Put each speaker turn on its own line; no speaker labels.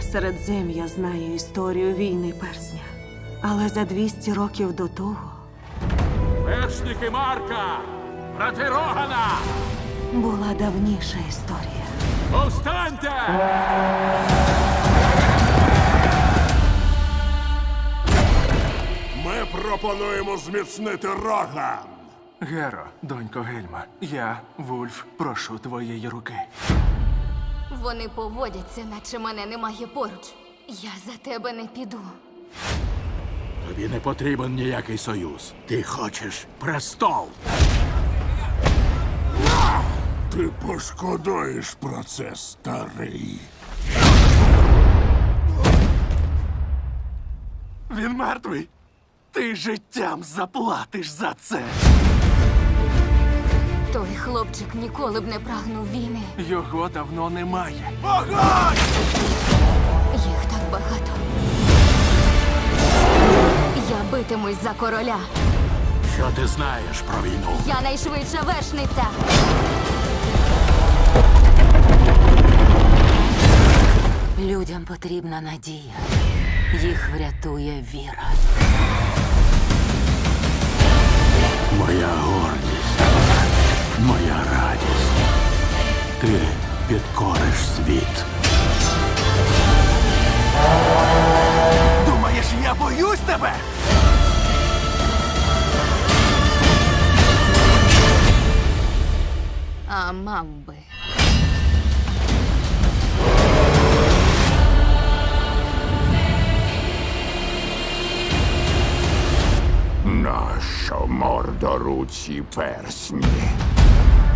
Середзем'я знає історію війни персня. Але за 200 років до того
Вершники Марка! Брати Рогана!
була давніша історія.
Повстаньте!
Ми пропонуємо зміцнити Роган.
Геро, донько Гельма, я, Вульф, прошу твоєї руки.
Вони поводяться, наче мене немає поруч. Я за тебе не піду.
Тобі не потрібен ніякий союз. Ти хочеш престол.
Ти пошкодуєш про це, старий.
Він мертвий. Ти життям заплатиш за це.
Той хлопчик ніколи б не прагнув війни.
Його давно немає.
Їх так багато. Я битимусь за короля.
Що ти знаєш про війну?
Я найшвидша вершниця.
Людям потрібна надія. Їх врятує віра.
Моя гордість, моя радість. Ти підкориш світ.
Думаєш, я боюсь тебе?
А мав би.
Нащо мордоруці персні?